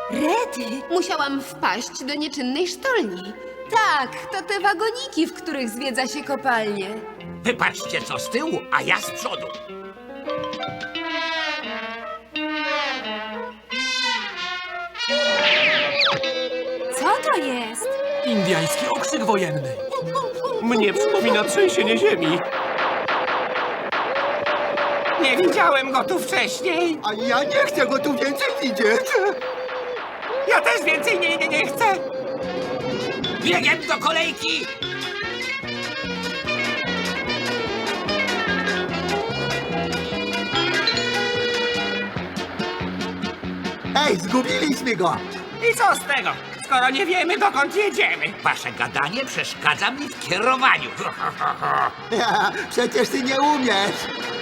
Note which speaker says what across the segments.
Speaker 1: Rety!
Speaker 2: Musiałam wpaść do nieczynnej sztolni. Tak, to te wagoniki, w których zwiedza się kopalnię.
Speaker 3: Wypatrzcie co z tyłu, a ja z przodu.
Speaker 1: Co to jest?
Speaker 4: Indiański okrzyk wojenny.
Speaker 5: Mnie przypomina trzęsienie ziemi. Nie widziałem go tu wcześniej.
Speaker 6: A ja nie chcę go tu więcej widzieć.
Speaker 5: Ja też więcej nie chcę.
Speaker 3: Biegiem do kolejki!
Speaker 6: Ej, zgubiliśmy go.
Speaker 5: I co z tego, skoro nie wiemy, dokąd jedziemy?
Speaker 3: Wasze gadanie przeszkadza mi w kierowaniu.
Speaker 6: Przecież ty nie umiesz.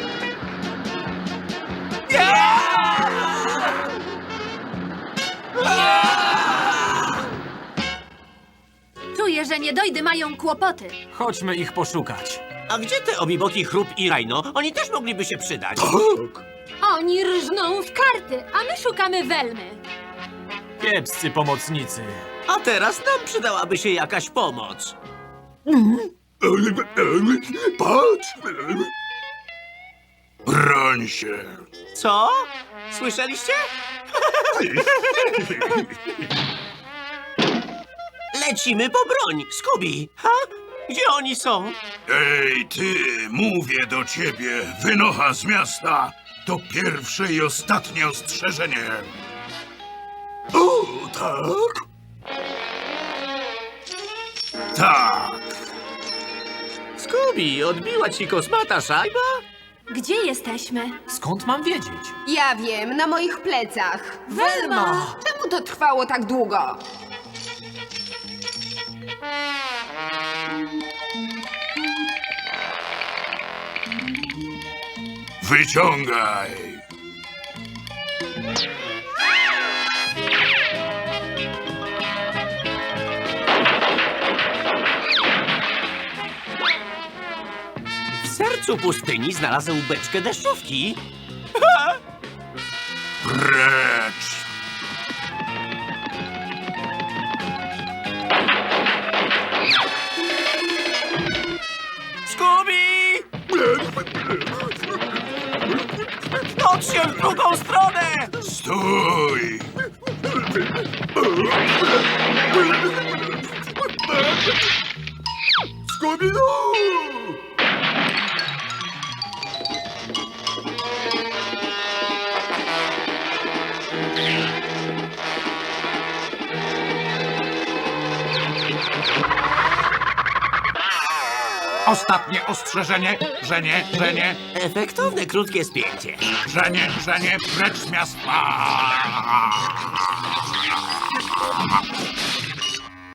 Speaker 1: Czuję, że niedojdy mają kłopoty.
Speaker 4: Chodźmy ich poszukać.
Speaker 5: A gdzie te Obiboki, Chrup i Rajno? Oni też mogliby się przydać.
Speaker 1: Oni rżną w karty, a my szukamy Welmy.
Speaker 4: Kiepscy pomocnicy.
Speaker 5: A teraz nam przydałaby się jakaś pomoc.
Speaker 6: Patrz.
Speaker 7: Broń się.
Speaker 5: Co? Słyszeliście? Lecimy po broń, Scooby. Ha? Gdzie oni są?
Speaker 7: Ej, ty, mówię do ciebie, wynocha z miasta. To pierwsze i ostatnie ostrzeżenie. O, tak? Tak.
Speaker 5: Scooby, odbiła ci kosmata szajba?
Speaker 1: Gdzie jesteśmy?
Speaker 4: Skąd mam wiedzieć?
Speaker 2: Ja wiem, na moich plecach.
Speaker 1: Welma!
Speaker 2: Czemu to trwało tak długo?
Speaker 7: Wyciągaj.
Speaker 5: W sercu pustyni znalazł beczkę deszczówki.
Speaker 7: Precz.
Speaker 5: Scooby! Chodź się w drugą stronę!
Speaker 7: Stój.
Speaker 6: Scooby-Doo!
Speaker 7: Ostatnie ostrzeżenie. Żenie,
Speaker 5: Efektowne, krótkie spięcie.
Speaker 7: żenie, precz z miasta.